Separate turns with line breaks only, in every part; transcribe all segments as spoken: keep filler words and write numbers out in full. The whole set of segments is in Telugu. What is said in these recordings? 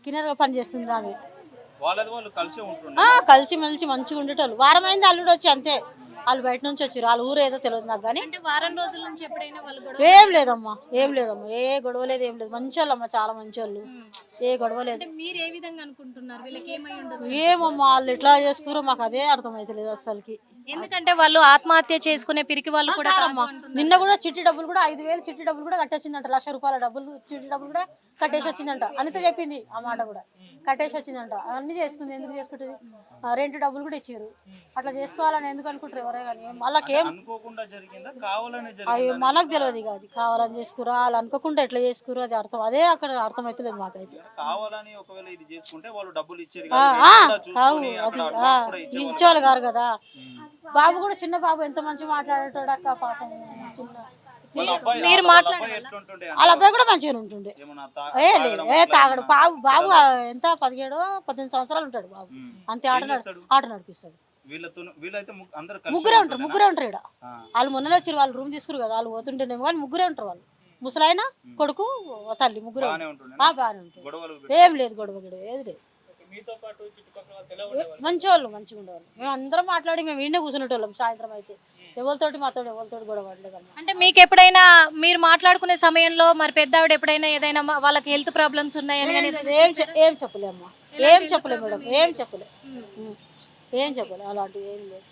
కిన్నెరగా పని చేస్తుంది ఆమె.
వాళ్ళది వాళ్ళు కలిసి ఉంటుండే.
ఆ కలిసి మెలిసి మంచిగా ఉండేటోళ్ళు. వారం అయింది అల్లుడు వచ్చి అంతే. వాళ్ళు బయట నుంచి వచ్చారు. వాళ్ళ ఊరు ఏదో తెలియదు నాకు కానీ.
అంటే వారం రోజుల నుంచి ఎప్పుడైనా వాళ్ళు గొడవ
ఏం లేదమ్మా, ఏం లేదమ్మా, ఏ గొడవ లేదు, ఏం లేదు. మంచోళ్ళు అమ్మా, చాలా మంచోళ్ళు. ఏ గొడవ లేదు.
అంటే మీరు ఏ విధంగా అనుకుంటున్నారు వీళ్ళకి ఏమై ఉండొచ్చు?
ఏమమ్మా వాళ్ళు ఎట్లా చేసుకురో మాకు అదే అర్థమైతలేదు అసలుకి.
ఎందుకంటే వాళ్ళు ఆత్మహత్య చేసుకునే పిరికి వాళ్ళు కూడా
అమ్మా నిన్న కూడా చిట్టి డబ్బులు కూడా ఐదు వేలు చిట్టి డబ్బులు కూడా కట్టొచ్చిందంట. లక్ష రూపాయల డబ్బులు చిట్టి డబ్బులు కూడా కట్టేసి వచ్చిందంట. అనిత చెప్పింది ఆ మాట కూడా. కట్టేసి వచ్చిందంట. అన్ని చేసుకుంది. ఎందుకు చేసుకుంటుంది? రెంట్ డబ్బులు కూడా ఇచ్చారు. అట్లా చేసుకోవాలని ఎందుకు అనుకుంటారు ఎవరే కానీ. వాళ్ళకేం
అనుకోకుండా జరిగిందా కావాలని
అవి
జరిగిందా?
మనకు తెలియదు ఇక. అది కావాలని చేసుకురా వాళ్ళు అనుకోకుండా ఎట్లా చేసుకురా అది అర్థం అదే అక్కడ అర్థమవుతలేదు మాకైతే.
కావాలని ఒకవేళ ఇది చేసుకుంటే వాళ్ళు డబ్బులు ఇచ్చేది
ఆ,
కాదు,
ఆ,
ఏదో కూడా
కావు
చూసుకొని
అది
అక్కడ
ఆ,
advance కూడా ఇచ్చేవాళ్ళు
ఇచ్చేవాళ్ళు గారు కదా. బాబు కూడా చిన్న బాబు ఎంత మంచిగా మాట్లాడేటోడు అక్క పాపం. చిన్న
వాళ్ళ అబ్బాయి
మీరు
వాళ్ళ
మాట్లాడాలా?
అబ్బాయి ఎట్లుంటుండే
వాళ్ళ అబ్బాయి కూడా మంచిగా ఉంటుండే.
ఏమన్నా తా-
ఏ లేదు
తాగడం
ఏ
అట్లా
తాగడు.
ఏమన్నా?
బాబు బాబు ఎంత పదిహేడు పద్దెనిమిది సంవత్సరాలు ఉంటాడు బాబు. అంతే ఆట నడు-
చేస్తాడు?
ఆట నడిపిస్తాడు.
వీళ్ళతో వీళ్ళైతే ము- అందరు కలిసి
ముగ్గురే ఉంటారు.
ఉంటుండేనా?
ముగ్గురే ఉంటారు ఇక్కడ.
ఆ.
వాళ్ళు మొన్ననే వచ్చారు. వాళ్ళు రూమ్ తీసుకురు కదా. వాళ్ళు పోతుంటేనేమో కానీ ముగ్గురే ఉంటారు వాళ్ళు. ముసలాయన కొడుకు తల్లి ముగ్గురే
బాగానే
ఉంటారు.
ఉంటుండే
ఆ, బాగానే ఉంటారు.
గొడవలు
ఏం లేదు గొడవ గొడవ ఏది లేదు. మంచి వాళ్ళు మంచిగా ఉండేవాళ్ళు. మేము అందరం మాట్లాడి మేము ఈయనే కూర్చునేటోళ్ళం సాయంత్రం అయితే. ఎవరితోటి మాతో ఎవరితోటి గొడవ పడలేదమ్మా.
అంటే మీకు ఎప్పుడైనా మీరు మాట్లాడుకునే సమయంలో మరి పెద్ద ఆవిడ ఎప్పుడైనా ఏదైనా మా- వాళ్ళకి హెల్త్ ప్రాబ్లమ్స్ ఉన్నాయని కానీ
ఏం చె- ఏం చెప్పలేమ్మా. ఏం చెప్పలే మేడం. ఏం చెప్పలే. ఉం. ఏం చెప్పలే అలాంటివి ఏం లేదు.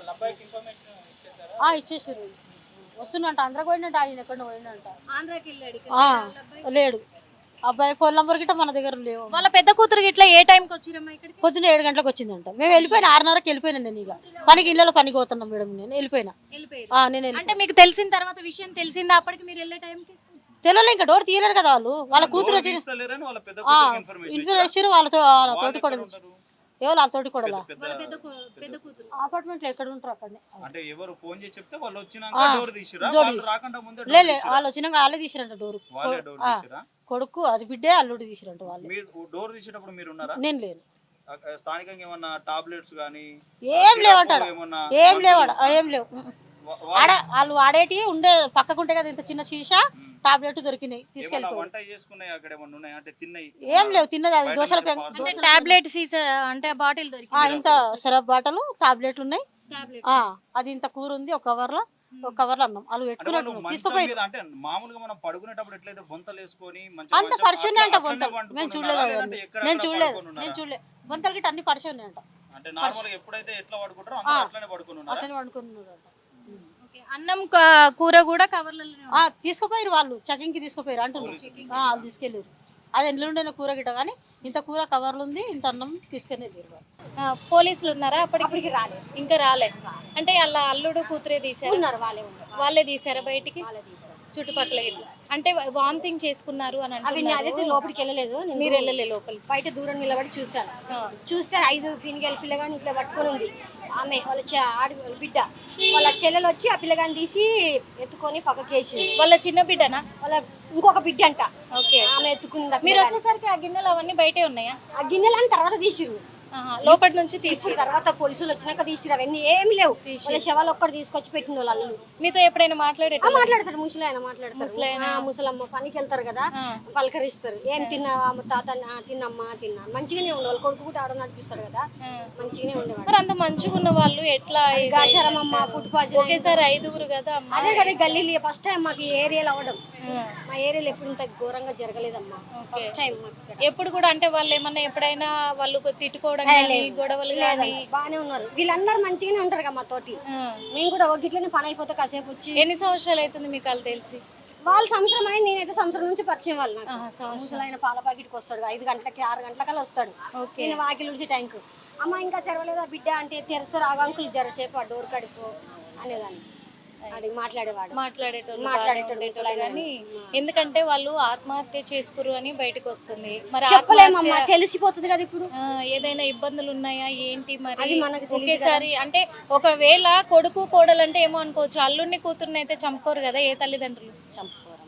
ఆ, ఇచ్చేసారు. వస్తున్నంట ఆంధ్రాకి పోయినట్ట. ఆయన ఎక్కడ పోయినంట.
ఆంధ్రాకి వెళ్ళాడు ఇక.
ఆ, లేడు. అబ్బాయి ఫోన్ నంబర్ గిట్ట మన దగ్గర లేవు.
వాళ్ళ పెద్ద కూతురు ఇట్లా ఏ టైంకి వచ్చిరమ్మా ఇక్కడికి?
పొద్దున్న ఏడు గంటలకు వచ్చిందంట. మేము వెళ్ళిపోయినా ఆరున్నరకి వెళ్ళిపోయినా. నేను ఇక పనికి ఇళ్ళలో పనికి పోతున్నాం మేడం. నేను వెళ్ళిపోయినా.
వెళ్ళిపోయారు.
ఆ, నేను వెళ్ళి
అంటే మీకు తెలిసిన తర్వాత విషయం తెలిసిందా అప్పటికి మీరు వెళ్ళే టైంకి?
తెలియలే. ఇంకా డోర్ తీయలేరు కదా వాళ్ళు. వాళ్ళ కూతురు వచ్చి
తీస్తలేరని వాళ్ళ పెద్ద కూతురికి ఇన్ఫర్మేషన్
ఇన్ఫర్మేషన్ వాళ్ళతో వాళ్ళ తోటి కూడా
ఉంటారు.
ఎవరు వాళ్ళ తోటి కూడా
పెద్ద
వాళ్ళ పెద్ద కూ- పెద్ద కూతురు.
అపార్ట్మెంట్ లో ఎక్కడ ఉంటారు అక్కడనే.
అంటే ఎవరు ఫోన్ చేసి చెప్తే వాళ్ళు వచ్చినాక డోర్ తీసిరా
డోర్
వాళ్ళు రాకుండా ముందే
లే
డోర్
లే,
తీసిరా?
వాళ్ళు వచ్చినాక వాళ్ళే తీసిరంట డోర్.
వాళ్ళే డోర్ తీసిరా?
కొడుకు అది బిడ్డే అల్లుడు తీసిరంట వాళ్ళే.
మీరు డోర్ తీసేటప్పుడు మీరు ఉన్నారా?
నేను లేను.
అక్కడ స్థానికంగా ఏమన్నా టాబ్లెట్స్ గానీ
ఏం లేవంటాడు.
ఏమన్నా
ఏం లేవాడ ఏం లేవు.
వా-
ఆడ వాళ్ళు వాడేటి ఉండే పక్కకు ఉంటే కదా ఇంత చిన్న సీసా టాబ్లెట్ దొరికినాయి
ఏమన్నా
తీసుకెళ్ళిపోయి.
వంట చేసుకున్నాయి అక్కడ ఏమన్నా ఉన్నాయి అంటే తిన్నాయి?
ఏం లేవు. తిన్నది అది దోశల పెంక.
అంటే టాబ్లెట్ సీసా అంటే బాటిల్ దొరికి
ఆ, ఇంత సిరప్ బాటలు టాబ్లెట్లు ఉన్నాయి.
టాబ్లెట్.
ఆ, అది ఇంత కూర ఉంది ఒక కవర్ లో. ఒక కవర్ లో అన్నం వాళ్ళు
అంటే వాళ్ళు
పెట్టుకున్నట్టు
మంచం
తీసుకుపోయి.
మీద అంటే మామూలుగా మనం పడుకునేటప్పుడు ఎట్లయితే బొంతలు వేసుకొని మంచిగా
అంత
మంచం
పరిశునే అంట
అట్లా-
బొంతలు.
అట్లనే
మేము
పండుకొని
చూడలేదు
ఉన్నారా?
అవన్నీ.
లేదంటే ఎక్కడ
నేను
అక్కడ
చూడలేదు.
పడుకొని
నేను
ఉన్నారా?
చూడలేదు. బొంతలు గిట్ట అన్ని పరిశు ఉన్నాయంట.
అంటే నార్మల్ గా ఎప్పుడైతే ఎట్లా పడుకుంటారో అందరూ అట్లనే పడుకొని ఉన్నారా?
అట్లనే వండుకున్నారంట.
ఓకే. అన్నం క- కూర కూడా కవర్లలో
ఆ, తీసుకుపోయారు వాళ్ళు. చెకింగ్ కి తీసుకుపోయారు అంటున్నారు. ఆ, వాళ్ళు తీసుకెళ్ళారు. అది ఎండ్లు ఉండే కూర గిట్ట కానీ ఇంత కూర కవర్లు ఉంది ఇంత అన్నం తీసుకెళ్ళి వెళ్ళారు వాళ్ళు.
పోలీసులు ఉన్నారా అప్పటికి? రాలేదు. ఇంకా రాలేదు. అంటే వాళ్ళ అల్లుడు కూతురే తీసారు.
వాళ్ళే ఉన్నారు.
వాళ్ళే తీసారా బయటికి? చుట్టుపక్కల ఇట్లా అంటే వామిటింగ్ చేసుకున్నారు అని
అవి
అంటున్నారు.
అదైతే లోపలికి వెళ్ళలేదు. నేను
మీరు వెళ్ళలే లోపలికి?
బయట దూరం నిలబడి చూశాను. చూస్తే ఐదు పినిగల పిల్లగాని ఇట్లా పట్టుకొని ఉంది. ఆమె వాళ్ళ చె- ఆడి వాళ్ళ బిడ్డ వాళ్ళ చెల్లెలు వచ్చి ఆ పిల్లగాని తీసి ఎత్తుకొని పక్కకి వేసింది.
వాళ్ళ చిన్న బిడ్డనా?
వాళ్ళ ఇంకొక బిడ్డ అంట.
ఓకే.
ఆమె ఎత్తుకుంది. ఆ
మీరు
పిల్లగాని.
వచ్చేసరికి ఆ గిన్నెలు అవన్నీ బయటే ఉన్నాయా?
ఆ గిన్నెలని తర్వాత తీసిరు.
ఆహా, లోపటి నుంచి తీసి
ఇప్పుడు తర్వాత పోలీసులు వచ్చినాక తీసిరు. అవన్నీ ఏమి లేవు. వాళ్ళ శవాలు ఒక్కటి తీసుకొచ్చి పెట్టిన వాళ్ళు అల్లు.
మీతో ఎప్పుడైనా మాట్లాడేట?
మాట్లాడతారు. ముసలాయన మాట్లాడతారు. ఆ, ముసలమ్మ పనికి వెళ్తారు కదా పలకరిస్తారు. ఏం తిన్నావా తాత? "ఆ, తిన్నమ్మా తిన్నా." మంచిగానే ఉండేవాళ్ళు. కొడుకు కూడా ఆడ నడిపిస్తారు కదా మంచిగానే ఉండేవాళ్ళు.
మరి అంత మంచిగా ఉన్న వాళ్ళు ఎట్లా ఇది?
గాచారమ్మ ఫుడ్ పాయిజన్.
ఒకేసారి ఐదుగురు కదా అమ్మ.
అదే కదా గల్లీలు ఫస్ట్ టైం మాకు ఈ ఏరియాలో అవ్వడం. మా ఏరియాలో ఎప్పుడు ఇంత ఘోరంగా జరగలేదమ్మా. ఫస్ట్ టైం మాకు ఇక్కడ.
ఎప్పుడు కూడా అంటే వాళ్ళు ఏమన్నా ఎప్పుడైనా వాళ్ళు తిట్టుకోవడం కానీ గొడవలు కానీ?
బాగానే ఉన్నారు. వీళ్ళందరూ మంచిగానే ఉంటారు కదా మా తోటి. మేము కూడా ఒక గిట్లనే పని అయిపోతే కాసేపు వచ్చి.
ఎన్ని సంవత్సరాలు అవుతుంది మీకు వాళ్ళు తెలిసి?
వాళ్ళు సంవత్సరం అయింది. నేనైతే సంవత్సరం నుంచి పరిచయం వాళ్ళు నాకు.
ఆహా, సంవత్సరం.
ముసలాయన పాల ప్యాకెట్కి వస్తాడు ఐదు గంటలకి ఆరు గంటలకల్లా వస్తాడు. నేను వాకిలు ఉడిచి టైంకు అమ్మ ఇంకా తెరవలేదా బిడ్డ అంటే తెరుస్తారు. ఆ అంకులు జరసేపు ఆ డోర్ కడుపు అనేదాన్ని అడిగి మాట్లాడేవాడు.
మాట్లాడేటోళ్ళు
మాట్లాడేటోళ్ళు
మాట్లాడేటోళ్ళు కానీ ఎందుకంటే వాళ్ళు ఆత్మహత్య చేసుకురు అని బయటకు వస్తుంది. మరి
చెప్పలేమమ్మా, తెలిసిపోతుంది కదా ఇప్పుడు.
ఆ, ఏదైనా ఇబ్బందులు ఉన్నాయా ఏంటి మరి?
అది మనకు తెలియదు
ఒకేసారి అంటే ఒకవేళ కొడుకు కోడలు అంటే ఏమో అనుకోవచ్చు. అల్లుడిని కూతుర్ని అయితే చంపుకోరు కదా ఏ తల్లిదండ్రులు?
చంపుకోరమ్మా.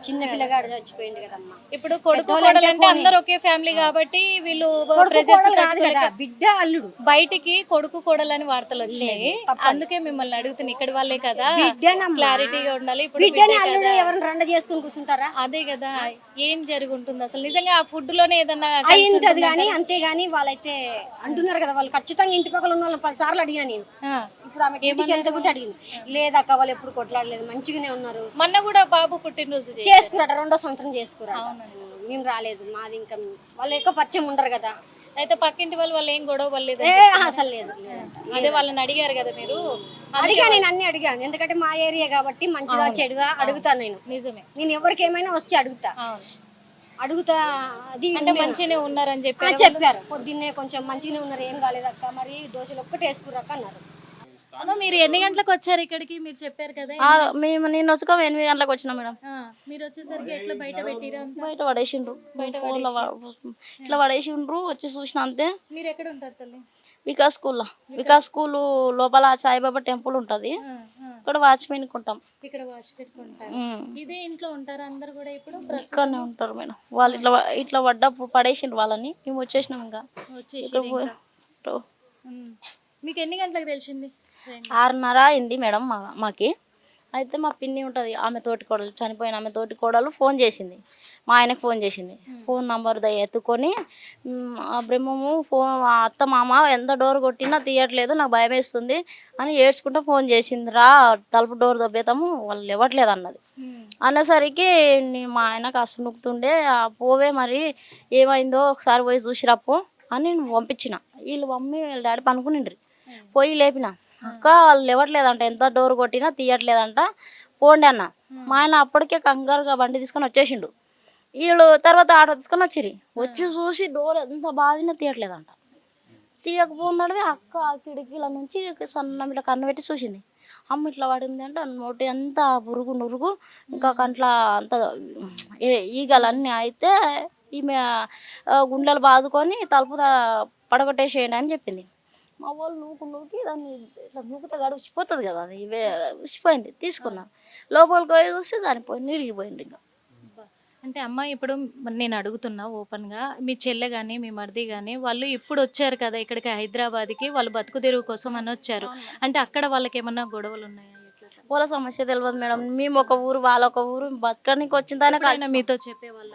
చిన్న పిల్లగాడు చచ్చిపోయింది కదమ్మా.
ఇప్పుడు కొడుకు కోడలు అంటే అందరు ఒకే ఫ్యామిలీ కాబట్టి వీళ్ళు ప్రెజర్స్
కాదు కదా, బిడ్డ అల్లుడు.
బయటికి కొడుకు కోడలు అని వార్తలు వచ్చినాయి, అందుకే మిమ్మల్ని అడుగుతున్నా. ఇక్కడ వాళ్ళే కదా,
బిడ్డనమ్మా.
క్లారిటీగా ఉండాలి. ఇప్పుడు
బిడ్డని అల్లుడు ఎవరైనా రండ చేసుకుని కూర్చుంటారా?
అదే కదా, ఏం జరుగుంటుంది అసలు నిజంగా ఆ ఫుడ్ లోనే ఏదన్నా
అయి ఉంటది కానీ, అంతేగాని వాళ్ళైతే అంటున్నారు కదా, వాళ్ళు ఖచ్చితంగా ఇంటి పక్కల ఉన్న వాళ్ళని పది సార్లు అడిగినా నేను.
ఆ.
ఇప్పుడు ఆమె ఇంటికి వెళ్తే కూడా అడిగింది, లేదక్క వాళ్ళు ఎప్పుడు కొట్లాడలేదు, మంచిగానే ఉన్నారు.
మొన్న కూడా బాబు పుట్టినరోజు చేశారు.
చేసుకురాట, రెండో సంవత్సరం చేసుకురాట. మేము రాలేదు, మాది ఇంకా వాళ్ళు ఎక్కువ పరిచయం ఉండరు కదా.
అయితే పక్కింటి వాళ్ళు వాళ్ళు ఏం గొడవ పడలేదు,
ఏ అసలు లేదు.
అదే వాళ్ళని అడిగారు కదా మీరు.
అడిగా, నేను అన్ని అడిగాను, ఎందుకంటే మా ఏరియా కాబట్టి మంచిగా చెడుగా అడుగుతాను నేను.
నిజమే,
నేను ఎవరికి ఏమైనా వచ్చి అడుగుతా అడుగుతా అది
అంటే మంచిగానే ఉన్నారని చెప్పి
చెప్పారు. పొద్దున్నే కొంచెం మంచిగానే ఉన్నారు, ఏం కాలేదక్క, మరి దోశలు ఒక్కటి వేసుకురాక అన్నారు.
అమ్మ, మీరు ఎన్ని గంటలకు వచ్చారు ఇక్కడికి? మీరు చెప్పారు కదా
మేము నేను వచ్చుకో ఎనిమిది గంటలకు వచ్చినా మేడం.
ఆ, మీరు వచ్చేసరికి ఎట్లా బయట పెట్టిరా?
బయట పడేసిండ్రు, ఫోన్లో ఇట్లా పడేసిండ్రు, వచ్చి చూసిన అంతే.
మీరు ఎక్కడ ఉంటారు తల్లి?
వికాస్ స్కూల్లో, వికాస్ స్కూల్ లోపల సాయిబాబా టెంపుల్ ఉంటది, ఇక్కడ వాచ్మెన్ ఉంటాం.
ఇక్కడ వాచ్ పెట్టుకుంటారు. ఇదే ఇంట్లో ఉంటారా అందరు కూడా? ఇప్పుడు
ఇక్కడనే ఉంటారు మేడం. వాళ్ళు ఇట్లా ఇట్లా పడ్డప్పుడు పడేసిండ్రు వాళ్ళని, మేము వచ్చేసినాం. ఇంకా
వచ్చేసి మీకు ఎన్ని గంటలకు తెలిసింది?
ఆరున్నర అయింది మేడం మా మాకి. అయితే మా పిన్ని ఉంటుంది, ఆమె తోటి కోడలు, చనిపోయిన ఆమె తోటి కోడలు ఫోన్ చేసింది, మా ఆయనకు ఫోన్ చేసింది. ఫోన్ నంబర్ ద ఎత్తుకొని ఆ బ్రహ్మము ఫోన్, అత్త మామ ఎంత డోర్ కొట్టినా తీయట్లేదు, నాకు భయం వేస్తుంది అని ఏడ్చుకుంటూ ఫోన్ చేసింది. రా తలుపు డోర్ దొబ్బేతాము, వాళ్ళు ఇవ్వట్లేదు అన్నది. అనేసరికి మా ఆయన కాస్త నొక్కుతుండే, పోవే మరి ఏమైందో ఒకసారి పోయి చూసిరాపో అని నేను పంపించిన. వీళ్ళు మమ్మీ వీళ్ళ డాడీ పనుకునిండ్రి, పోయి లేపిన. అక్క వాళ్ళు ఇవ్వట్లేదంట, ఎంత డోర్ కొట్టినా తీయట్లేదంట, పోండి అన్న. మా ఆయన అప్పటికే కంగారుగా బండి తీసుకొని వచ్చేసిండు. వీళ్ళు తర్వాత ఆటో తీసుకొని వచ్చిర్రు, వచ్చి చూసి డోర్ ఎంత బాధినా తీయట్లేదంట. తీయకపోతున్నాడు. అక్క కిటికీల నుంచి సన్న ఇట్లా కన్ను పెట్టి చూసింది. అమ్మ ఇట్లా పడింది అంటే నోటి అంతా పురుగు నురుగు, ఇంకా కంట్ల అంత ఈగలన్నీ అయితే ఈమె గుండెలు బాదుకొని తలుపు పడగొట్టేసేయండి అని చెప్పింది. మా వాళ్ళు నూకు నూకి దాన్ని ఇట్లా నూకుతా గడ ఉచ్చిపోతుంది కదా, అది ఇవే ఉచ్చిపోయింది. తీసుకున్నా, లోపలికి పోయి చూస్తే దానిపోయి నిలిగిపోయింది. ఇంకా
అంటే అమ్మ, ఇప్పుడు నేను అడుగుతున్నా ఓపెన్ గా, మీ చెల్లె గాని మీ మరిది గాని వాళ్ళు ఇప్పుడు వచ్చారు కదా ఇక్కడికి హైదరాబాద్కి, వాళ్ళు బతుకు తెరువు కోసం అని వచ్చారు అంటే అక్కడ వాళ్ళకి ఏమన్నా గొడవలు ఉన్నాయా?
వాళ్ళ సమస్య తెలియదు మేడం. మేము ఒక ఊరు, వాళ్ళ ఒక ఊరు, బతకడానికి వచ్చిందని
మీతో చెప్పేవాళ్ళ?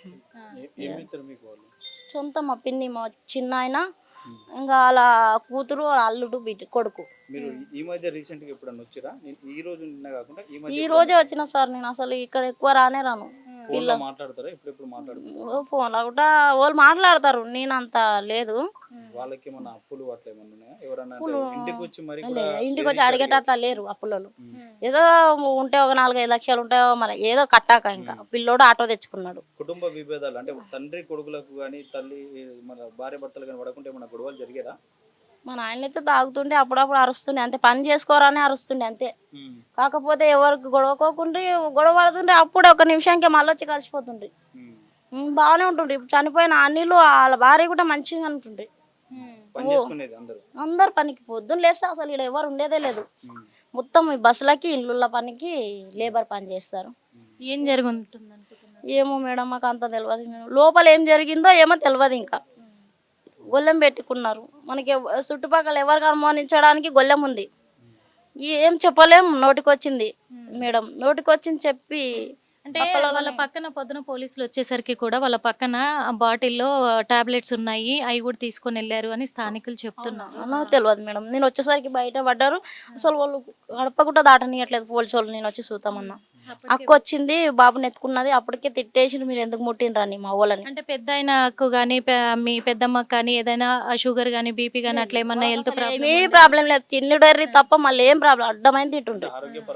సొంత మా పిన్ని, మా చిన్న ఆయన, ఇంకా వాళ్ళ కూతురు, అల్లుడు, బిడ్డ, కొడుకు.
మీరు ఈ మధ్య రీసెంట్ గా ఎప్పుడన్నా వచ్చారా? ఈ రోజు నిన్న కాకుండా ఈ మధ్య
ఈ రోజే వచ్చిన సార్. నేను అసలు ఇక్కడ ఎక్కువ రానే రాను.
ఫోన్లో మాట్లాడతారా? ఎప్పుడెప్పుడు మాట్లాడుతారు?
ఫోన్లో కూడా వాళ్ళు మాట్లాడతారు, నేను అంత లేదు.
వాళ్ళకి ఏమన్నా అప్పులు అట్లా ఏమన్నా ఉన్నాయా? ఎవరన్నా ఇంటికి వచ్చి మరి
ఇంటికి వచ్చి అడిగేటట్లా లేరు అప్పులలో. ఏదో ఉంటే ఒక నాలుగైదు లక్షలు ఉంటాయో మరి, ఏదో కట్టాక ఇంకా పిల్లోడు ఆటో తెచ్చుకున్నాడు.
కుటుంబ విభేదాలు అంటే తండ్రి కొడుకులకు కానీ, తల్లి మన భార్య భర్తలు కానీ పడకుంటే ఏమన్నా గొడవలు జరిగేదా?
మా నాయన అయితే తాగుతుండే, అప్పుడప్పుడు అరుస్తుండే, అంతే. పని చేసుకోరానే అరుస్తుండే అంతే. కాకపోతే ఎవరికి గొడవకోకుండ్రి, గొడవ పడుతుండ్రి, అప్పుడు ఒక నిమిషానికి మళ్ళీ వచ్చి కలిసిపోతుండ్రి, బాగానే ఉంటుండ్రి. ఇప్పుడు చనిపోయిన అన్నిలు వాళ్ళ భార్య కూడా మంచిగా ఉంటుండ్రి. అందరు పనికి పొద్దున్న లేస్తే అసలు ఇక్కడ ఎవరు ఉండేదే లేదు. మొత్తం ఈ బస్సులకి, ఇళ్ళ పనికి లేబర్ పని చేస్తారు.
ఏం జరుగుతుంది అనుకుంటున్నారు?
ఏమో మేడం, మాకు అంత తెలియదు మేడం. లోపల ఏం జరిగిందో ఏమో తెలియదు. ఇంకా గొల్లెం పెట్టుకున్నారు. మనకి చుట్టుపక్కల ఎవరికి అనుమానించడానికి గొల్లెం ఉంది. ఏం చెప్పలేం, నోటికి వచ్చింది మేడం, నోటికి వచ్చింది చెప్పి.
అంటే వాళ్ళ పక్కన పొద్దున పోలీసులు వచ్చేసరికి కూడా వాళ్ళ పక్కన బాటిల్లో టాబ్లెట్స్ ఉన్నాయి, అవి కూడా తీసుకొని వెళ్ళారు అని స్థానికులు చెప్తున్నారు.
నాకు తెలియదు మేడం. నేను వచ్చేసరికి బయట పడ్డారు, అసలు వాళ్ళు గడప కూడా దాటనియట్లేదు పోలీసు వాళ్ళు. నేను వచ్చి చూద్దామన్నా, అక్క వచ్చింది, బాబుని ఎత్తుకున్నది, అప్పటికే తిట్టేసి మీరు ఎందుకు ముట్టినరని మా వాళ్ళని.
అంటే పెద్ద ఆయనకు కానీ మీ పెద్దమ్మకు కానీ ఏదైనా షుగర్ కానీ బీపీ కానీ అట్లా ఏమన్నా హెల్త్ ప్రాబ్లమ్?
ఏ ప్రాబ్లం లేదు, తిండిడర్రి తప్ప మళ్ళీ ఏం ప్రాబ్లం, అడ్డమైన తింటుండ్రు.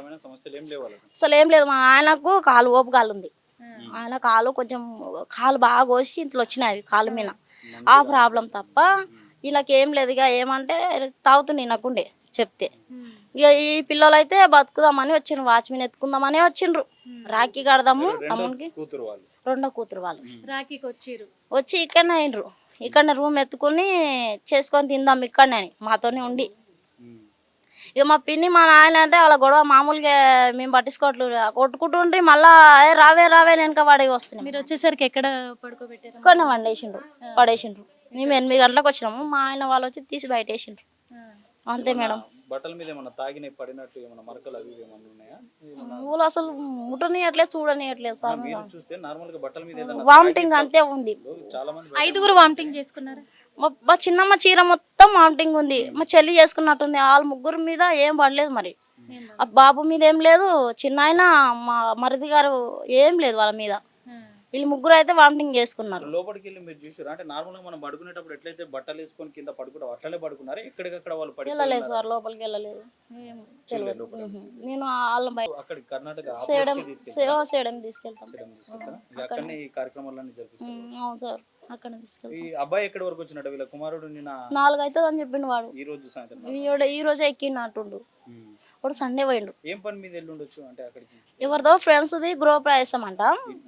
అసలు ఏం లేదు. మా ఆయనకు కాలు ఓపు కాలు ఉంది, ఆయన కాలు కొంచెం కాలు బాగా కోసి ఇంట్లో వచ్చినాయి కాలు మీద, ఆ ప్రాబ్లం తప్ప వీళ్ళకి ఏం లేదు. ఇక ఏమంటే తాగుతుండే నాకుండే చెప్తే. ఇక ఈ పిల్లలు అయితే బతుకుదామని వచ్చిండ్రు, వాచ్మెన్ ఎత్తుకుందామని వచ్చిండ్రు. రాఖీ కడదాము తమ్మునికి, రెండో కూతురు వాళ్ళు
రాఖీకి వచ్చిర్రు.
వచ్చి ఇక్కడనే అయినరు, ఇక్కడనే రూమ్ ఎత్తుకుని చేసుకొని తిందాం ఇక్కడనే అని మాతోనే ఉండి. ఇక మా పిన్ని మా నాయన అంటే వాళ్ళ గొడవ మామూలుగా మేము పట్టించుకోవట్లేదు కొట్టుకుంటుండ్రి మళ్ళా "ఏ, రావే రావే వెనక పడి వస్తున్నాం
మీరు వచ్చేసరికి ఎక్కడ పడుకోబెట్టారు?
కొన్ని వండేసిండ్రు పడేసిండ్రు మేము ఎనిమిది గంటలకు వచ్చినాము మా ఆయన వాళ్ళు వచ్చి తీసి బయట వేసిండ్రు అంతే మేడం.
బట్టల మీద ఏమన్నా తాగిన పడినట్టు ఏమన్నా మరకలు అవి ఇవి ఏమన్నా ఉన్నాయా?
ఊళ్ళు అసలు ముట్టనియట్లేదు చూడనియట్లేదు సార్.
మీరు చూస్తే నార్మల్ గా బట్టల మీద ఏదైనా
వామిటింగ్ అంతే ఉంది.
చాలా మంది
ఐదుగురు వామిటింగ్ చేసుకున్నారు.
మా మా చిన్నమ్మ చీర మొత్తం వామిటింగ్ ఉంది. మా చెల్లి చేసుకున్నట్టుంది. వాళ్ళ ముగ్గురు మీద ఏం పడలేదు మరి. ఆ బాబు మీద ఏం లేదు, చిన్న ఆయన మా మరిది గారు ఏం లేదు వాళ్ళ మీద. వీళ్ళు ముగ్గురు అయితే వామిటింగ్ చేసుకున్నారు.
లోపలికి వెళ్ళి మీరు చూసారు అంటే నార్మల్ గా మనం పడుకునేటప్పుడు ఎట్లయితే బట్టలు వేసుకొని కింద పడుకుంటాం అట్లనే పడుకున్నారు. ఎక్కడికక్కడ వాళ్ళు పడి
వెళ్ళలేదు సార్, లోపలికి వెళ్ళలేదు. ఏం తెలియదు. ఉహు. నేను వాళ్ళ బయట
అక్కడ కర్ణాటక
సేడం సేవ సేడం తీసుకెళ్తాం.
అక్కడనే ఈ కార్యక్రమాలన్నీ జరిపిస్తారు.
ఉమ్, అవును సార్, అక్కడ తీసుకెళ్తాం.
ఈ అబ్బాయి ఎక్కడి వరకు వచ్చినట్టు వీళ్ళ కుమారుడు నిన్న
నాలుగు అవుతుంది అని చెప్పిండు వాడు.
ఈ రోజు సాయంత్రం
ఈ రోజు- ఈ రోజే ఎక్కినట్టుండు. వాడు సండే పోయిండు.
ఏం పని మీద వెళ్ళి ఉండొచ్చు అంటే అక్కడికి
ఎవరిదో ఫ్రెండ్స్ది గృహప్రవేశం అంట.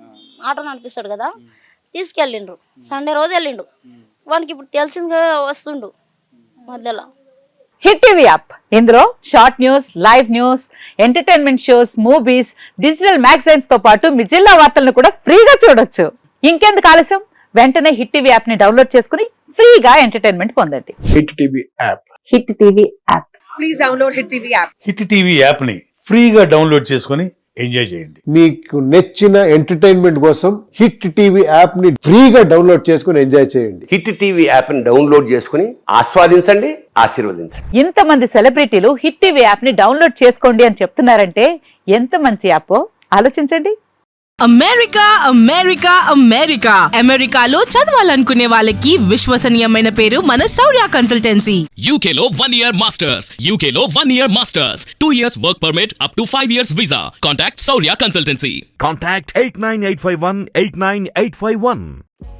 ఆటో నడిపిస్తాడు కదా, తీసుకెళ్ళిండ్రు. సండే రోజు వెళ్ళిండు. వానికి ఇప్పుడు తెలిసిందిగా వస్తుండు మధ్యలో.
హిట్ టీవీ యాప్ ఇందులో short news, live news, entertainment shows, movies, digital magazines తో పాటు మీ జిల్లా వార్తలను కూడా ఫ్రీగా చూడొచ్చు. ఇంకెందుకు ఆలస్యం, వెంటనే హిట్ టీవీ యాప్ ని డౌన్లోడ్ చేసుకుని ఫ్రీగా ఎంటర్టైన్మెంట్ పొందండి.
Hit TV app
hit TV app
please download hit TV app.
Hit TV యాప్ని ఫ్రీగా డౌన్లోడ్ చేసుకొని ఎంజాయ్ చేయండి.
మీకు నచ్చిన ఎంటర్టైన్మెంట్ కోసం హిట్ టీవీ యాప్ ని ఫ్రీగా డౌన్లోడ్ చేసుకుని ఎంజాయ్ చేయండి.
హిట్ టీవీ యాప్ని డౌన్లోడ్ చేసుకుని ఆస్వాదించండి, ఆశీర్వదించండి.
ఇంతమంది సెలబ్రిటీలు హిట్ టీవీ యాప్ ని డౌన్లోడ్ చేసుకోండి అని చెప్తున్నారంటే ఎంత మంచి యాప్ ఆలోచించండి.
అమెరికా అమెరికా అమెరికా అమెరికాలో చదవాలనుకునే వాళ్ళకి విశ్వసనీయమైన పేరు మన శౌర్య కన్సల్టెన్సీ.
U K లో one year masters, U K లో one year masters, two years work permit up to five years visa. Contact Saurya Consultancy.
Contact eight nine eight five one eight nine eight five one.